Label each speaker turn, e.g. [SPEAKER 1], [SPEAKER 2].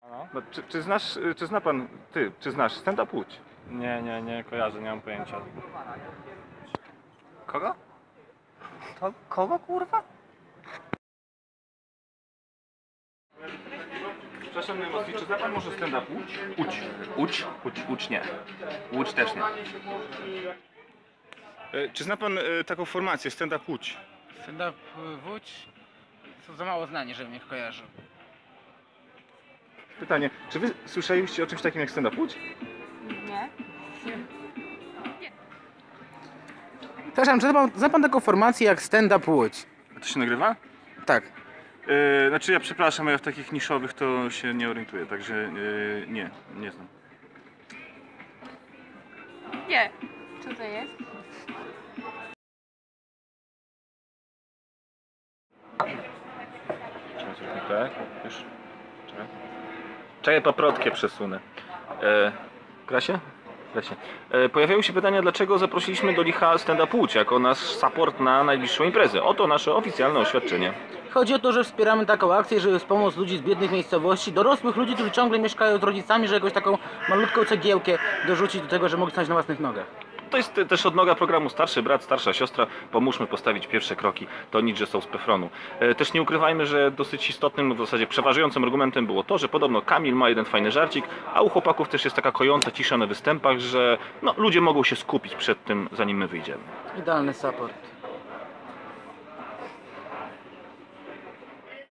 [SPEAKER 1] No, czy zna pan, czy znasz stand-up Łódź?
[SPEAKER 2] Nie kojarzę, nie mam pojęcia.
[SPEAKER 1] Kogo?
[SPEAKER 3] To kogo kurwa?
[SPEAKER 1] Przepraszam najmocniej, czy zna pan może stand-up Łódź?
[SPEAKER 3] Łódź nie. Łódź też nie.
[SPEAKER 1] Czy zna pan taką formację stand-up Łódź?
[SPEAKER 4] Stand-up Łódź są za mało znani, żebym ich kojarzył.
[SPEAKER 1] Pytanie, czy wy słyszeliście o czymś takim jak stand-up Łódź?
[SPEAKER 5] Nie.
[SPEAKER 4] Przepraszam, czy zna pan taką formację jak Stand-up Łódź?
[SPEAKER 1] A to się nagrywa?
[SPEAKER 4] Tak.
[SPEAKER 1] Znaczy ja przepraszam, ja w takich niszowych to się nie orientuję, także nie znam.
[SPEAKER 5] Nie. Co to jest?
[SPEAKER 1] Tak, już. Czekaj, paprotkę przesunę. Krasie? Krasie. Pojawiają się pytania, dlaczego zaprosiliśmy do Licha stand-up Łódź jako nasz support na najbliższą imprezę. Oto nasze oficjalne oświadczenie.
[SPEAKER 4] Chodzi o to, że wspieramy taką akcję, żeby wspomóc ludzi z biednych miejscowości, dorosłych ludzi, którzy ciągle mieszkają z rodzicami, że jakąś taką malutką cegiełkę dorzucić do tego, że mogli stać na własnych nogach.
[SPEAKER 1] To jest też odnoga programu Starszy Brat, Starsza Siostra. Pomóżmy postawić pierwsze kroki. To nic, że są z Pefronu. Też nie ukrywajmy, że dosyć istotnym, w zasadzie przeważającym argumentem było to, że podobno Kamil ma jeden fajny żarcik, a u chłopaków też jest taka kojąca cisza na występach, że no, ludzie mogą się skupić przed tym, zanim my wyjdziemy.
[SPEAKER 4] Idealny support.